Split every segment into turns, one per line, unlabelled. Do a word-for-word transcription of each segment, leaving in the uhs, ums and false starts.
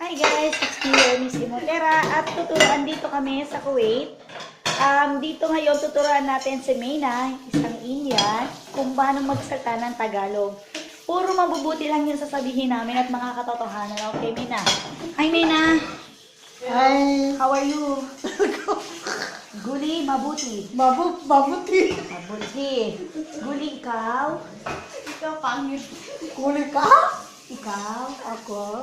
Hi guys, it's me, Miss Imotera, at tuturuan dito kami sa Kuwait. Um, dito ngayon tuturuan natin si Mayna, isang Indian, kung paano magsalita ng Tagalog. Puro mabubuti lang yung sasabihin namin at mga katotohanan. Okay, Mayna? Hi, Mayna!
Hi!
How are you? Guli, mabuti.
Mabu mabuti!
Mabuti. Guli, ikaw?
Ikaw pangit. Kuli ka?
Ikaw?
Ako?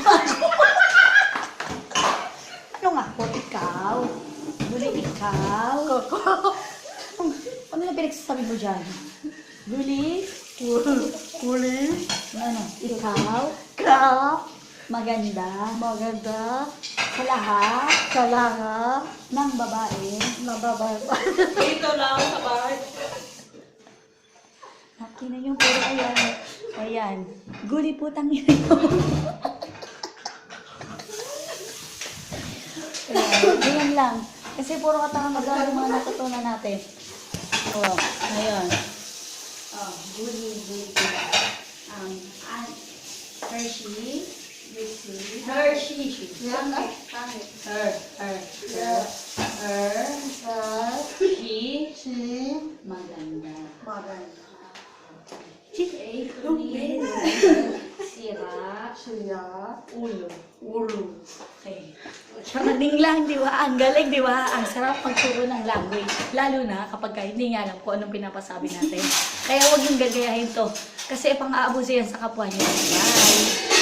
Ano nga po, ikaw? Guli, ikaw?
Ako?
Ano na pinagsasabi mo dyan? Guli?
Kuli? Kuli?
Ano? Ikaw?
Ka?
Maganda?
Maganda?
Sa lahat
Kalanga?
ng babae?
Nababay.
Dito lang sa bahay.
Nakina yung puro ayan. Ayan. Guli putang ina yun. Ayan. Ganyan lang. Kasi puro katanga-maga yung mga natutunan natin. Oh, ayan. Oh, guli, guli. Um, and Hershey. Hershey. Hershey.
Yan ay pangit.
Her, her, her, her,
Sa?
she,
Si?
maganda.
Maganda.
Okay, kunin. Sira,
Siya?
ulo.
Ulo.
Okay. Kamaning lang, di ba? Ang galing, di ba? Ang sarap magturo ng language. Lalo na kapag ka hindi nga alam kung anong pinapasabi natin. Kaya huwag yung gagayahin to. Kasi pang-aabuso yan sa kapwa niyo. Bye!